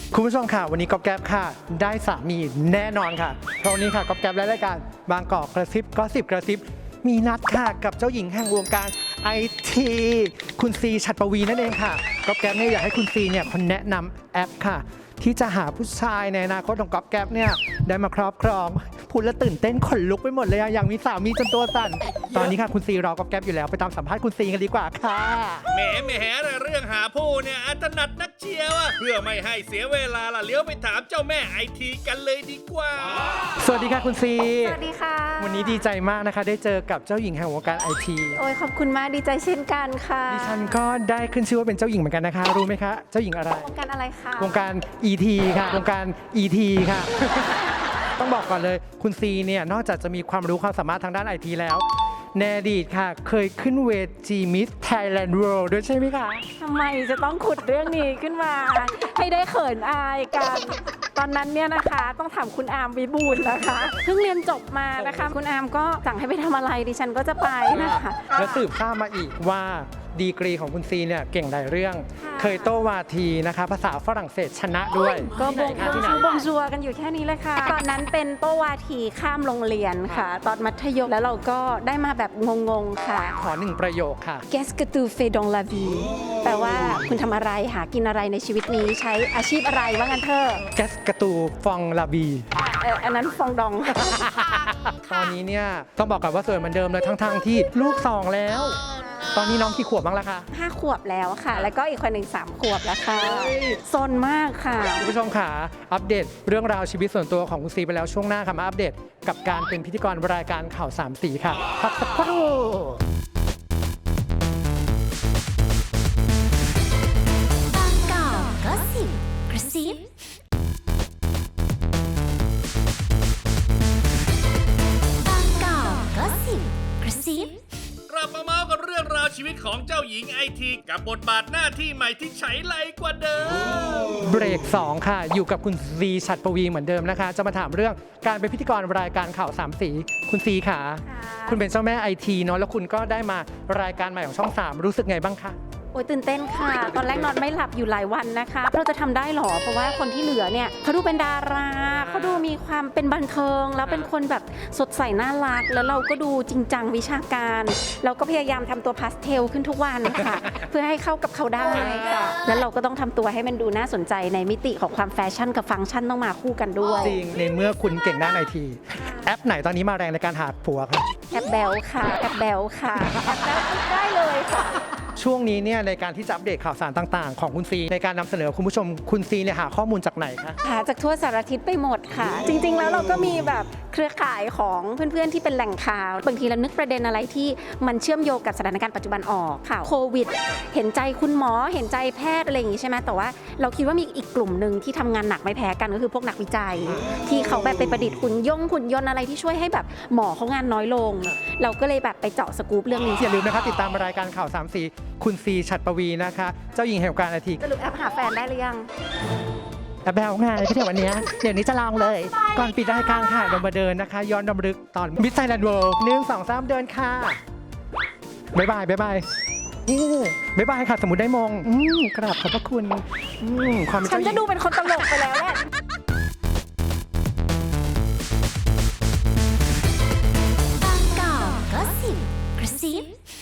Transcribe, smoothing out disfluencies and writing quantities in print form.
คุณผู้ชมค่ะวันนี้ก๊อบแก๊บค่ะได้สามีแน่นอนค่ะเพราะวันนี้ค่ะก๊อบแก๊บและรายการบางกอกกระซิบก็สิบกระซิบมีนัดค่ะกับเจ้าหญิงแห่งวงการไอทีคุณซีฉัตรปวีนั่นเองค่ะก๊อบแก๊บเนี่ยอยากให้คุณซีเนี่ยคนแนะนำแอปค่ะที่จะหาผู้ชายในอนาคตของก๊อบแก๊บเนี่ยได้มาครอบครองพูดแล้วตื่นเต้นขนลุกไปหมดเลยอะอย่างมีสามีจนตัวสั่นตอนนี้ค่ะคุณซีรอก๊อบแก๊บอยู่แล้วไปตามสัมภาษณ์คุณซีกันดีกว่าค่ะแหมเรื่องหาผู้เนี่ยอัตนัดนักเชียวอะเพื่อไม่ให้เสียเวลาล่ะเลี้ยวไปถามเจ้าแม่ไอทีกันเลยดีกว่าสวัสดีค่ะคุณซีสวัสดีค่ะวันนี้ดีใจมากนะคะได้เจอกับเจ้าหญิงแห่งวงการไอทีโอ้ยขอบคุณมากดีใจเช่นกันค่ะดิฉันก็ได้ขึ้นชื่อว่าเป็นเจ้าหญิงเหมือนกันนะคะรู้ไหมคะเจ้าหญิงอะไรวงการอะไรคะวงการ ET ค่ะวงการ ET ค่ะ ต้องบอกก่อนเลยคุณซีเนี่ยนอกจากจะมีความรู้ความสามารถทางด้านไอทีแล้วในอดีตค่ะเคยขึ้นเวทีมิสไทยแลนด์เวิลด์ด้วยใช่ไหมคะทำไมจะต้องขุดเรื่องนี้ขึ้นมา ให้ได้เขินอายกัน ตอนนั้นเนี่ยนะคะต้องถามคุณอาร์มวิบูลย์นะคะเพิ่งเรียนจบมานะคะคุณอาร์มก็สั่งให้ไปทำอะไรดิฉันก็จะไปนะคะแล้วสืบทราบมาอีกว่าดีกรีของคุณซีเนี่ยเก่งหลายเรื่อง เคยโต้วาทีนะคะภาษาฝรั่งเศสชนะด้วยก็บงที่ไหนบงชัวกันอยู่แค่นี้เลยค่ะ ตอนนั้นเป็นโต้วาทีข้ามโรงเรียนค่ะ ตอนมัธยมแล้วเราก็ได้มาแบบงงๆค่ะขอหนึ่งประโยคค่ะ Qu'est-ce que tu fais dans la vie แปลว่าคุณทำอะไรหากินอะไรในชีวิตนี้ใช้อาชีพอะไรว่างั้นเถอะแกสกระตูฟองลาบีอันนั้นฟองดองตอนนี้เนี่ยต้องบอกกันว่าสวยเหมือนเดิมเลยทั้งที่ลูก2แล้ว ตอนนี้น้องกี่ขวบบ้างล่ะคะ 5 ขวบแล้วค่ะ แล้วก็อีกคนหนึ่ง3 ขวบแล้วค่ะซนมากค่ะคุณผู้ชมค่ะอัปเดตเรื่องราวชีวิตส่วนตัวของคุณซีไปแล้วช่วงหน้าค่ะมาอัปเดตกับการเป็นพิธีกรรายการข่าว3สีค่ะพักสักครู่บางกอกก็สิบกระซิบางกอกก็สิบกระซิบกลับมาเมาส์กันเรื่องราวชีวิตของเจ้าหญิงไอทีกับบทบาทหน้าที่ใหม่ที่ใช้ไรกว่าเดิมเบรก2ค่ะอยู่กับคุณซีฉัตรปวีเหมือนเดิมนะคะ จะมาถามเรื่องการเป็นพิธีกรรายการข่าว3สีคุณซีค่ะ คุณเป็นเจ้าแม่ไอทีเนาะแล้วคุณก็ได้มารายการใหม่ของช่อง3รู้สึกไงบ้างคะโอ้ยตื่นเต้นค่ะ ตอนแรกนอนไม่หลับอยู่หลายวันนะคะ เราจะทำได้หรอ เพราะว่าคนที่เหลือเนี่ยเขาดูเป็นดาราเขาดูมีความเป็นบันเทิง แล้วเป็นคนแบบสดใสน่ารัก แล้วเราก็ดูจริงจังวิชาการ เราก็พยายามทำตัวพาสเทลขึ้นทุกวันค่ะ เพื่อให้เข้ากับเขาได้ค่ะ แล้วเราก็ต้องทำตัวให้มันดูน่าสนใจในมิติของความแฟชั่นกับฟังก์ชันต้องมาคู่กันด้วยจริงในเมื่อคุณเก่งด้านไอทีแอปไหนตอนนี้มาแรงในการหาผัวคะแอปแบลค่ะ แอปแบลค่ะ แอปแบลได้เลยค่ะช่วงนี้เนี่ยในการที่จะอัปเดตข่าวสารต่างๆ ของคุณซีในการนำเสนอคุณผู้ชมคุณซีเนี่ยหาข้อมูลจากไหนคะหาจากทั่วสารทิศไปหมดค่ะ จริงๆ แล้วเราก็มีแบบเครือข่ายของเพื่อนๆ ที่เป็นแหล่งข่าว บางทีเรานึกประเด็นอะไรที่มันเชื่อมโยงกับสถานการณ์ปัจจุบันออกข่าวโควิด เห็นใจคุณหมอเห็นใจแพทย์อะไรอย่างงี้ใช่ไหมแต่ว่าเราคิดว่ามีอีกกลุ่มหนึ่งที่ทำงานหนักไม่แพ้กันก็คือพวกนักวิจัย ที่เขาแบบไปประดิษฐ์หุ่นยนต์อะไรที่ช่วยให้แบบหมอเขางานน้อยลง เราก็เลยแบบไปเจาะสกู๊ปเรื่องนี้อย่าลืมนะคะติดตามรายการข่าว3สีคุณซีฉัตรปวีนะคะเจ้าหญิงแห่งวงการไอทีสรุปแอปหาแฟนได้หรือยังแอบแบวไงที่เดี๋ยววันนี้เดี๋ยวนี้จะลองเลย ก่อนปิดรายการค่ะเรามาเดินนะคะ ย้อนรำลึกตอนมิสไทยแลนด์เวิลด์1 2 3 เดินค่ะบ๊ายบายบ๊ายบายบ๊ายบายค่ะ สมมุติได้มงกราบขอบพระคุณความเป็นฉันเจ้าหญิจะงดูเป็นคนตลกไปแล้วแหละบางกอกก็สิบกระซิบ